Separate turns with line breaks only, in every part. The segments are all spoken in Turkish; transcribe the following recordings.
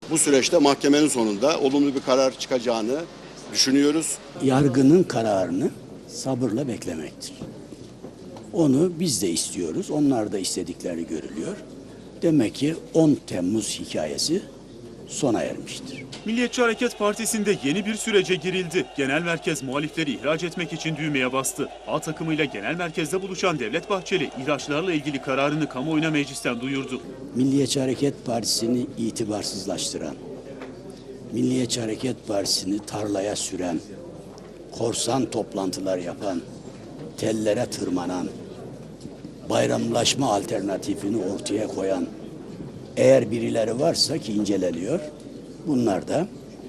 Bu süreçte mahkemenin sonunda olumlu bir karar çıkacağını düşünüyoruz.
Yargının kararını sabırla beklemektir. Onu biz de istiyoruz, onlar da istedikleri görülüyor. Demek ki 10 Temmuz hikayesi sona ermiştir.
Milliyetçi Hareket Partisi'nde yeni bir sürece girildi. Genel merkez muhalifleri ihraç etmek için düğmeye bastı. A takımıyla genel merkezde buluşan Devlet Bahçeli, ihraçlarla ilgili kararını kamuoyuna meclisten duyurdu.
Milliyetçi Hareket Partisi'ni itibarsızlaştıran, Milliyetçi Hareket Partisi'ni tarlaya süren, korsan toplantılar yapan, tellere tırmanan, bayramlaşma alternatifini ortaya koyan eğer birileri varsa ki inceleniyor, bunlar da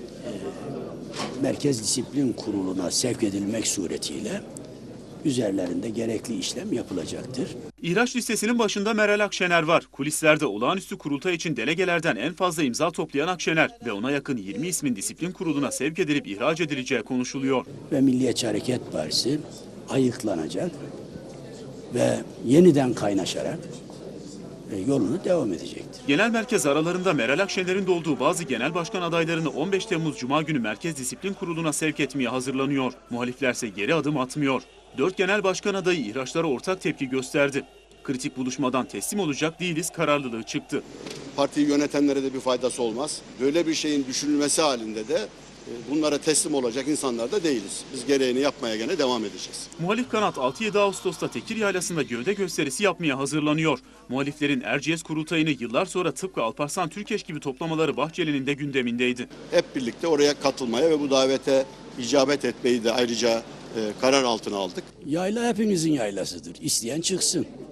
Merkez Disiplin Kurulu'na sevk edilmek suretiyle üzerlerinde gerekli işlem yapılacaktır.
İhraç listesinin başında Meral Akşener var. Kulislerde olağanüstü kurultay için delegelerden en fazla imza toplayan Akşener ve ona yakın 20 ismin disiplin kuruluna sevk edilip ihraç edileceği konuşuluyor.
Ve Milliyetçi Hareket Partisi ayıklanacak ve yeniden kaynaşarak yolunu devam edecektir.
Genel merkez aralarında Meral Akşener'in de olduğu bazı genel başkan adaylarını 15 Temmuz Cuma günü Merkez Disiplin Kurulu'na sevk etmeye hazırlanıyor. Muhaliflerse geri adım atmıyor. 4 genel başkan adayı ihraçlara ortak tepki gösterdi. Kritik buluşmadan teslim olacak değiliz kararlılığı çıktı.
Partiyi yönetenlere de bir faydası olmaz. Böyle bir şeyin düşünülmesi halinde de bunlara teslim olacak insanlar da değiliz. Biz gereğini yapmaya gene devam edeceğiz.
Muhalif kanat 6-7 Ağustos'ta Tekir Yaylası'nda gövde gösterisi yapmaya hazırlanıyor. Muhaliflerin Erciyes kurultayını yıllar sonra tıpkı Alparslan Türkeş gibi toplamaları Bahçeli'nin de gündemindeydi.
Hep birlikte oraya katılmaya ve bu davete icabet etmeyi de ayrıca karar altına aldık.
Yayla hepimizin yaylasıdır. İsteyen çıksın.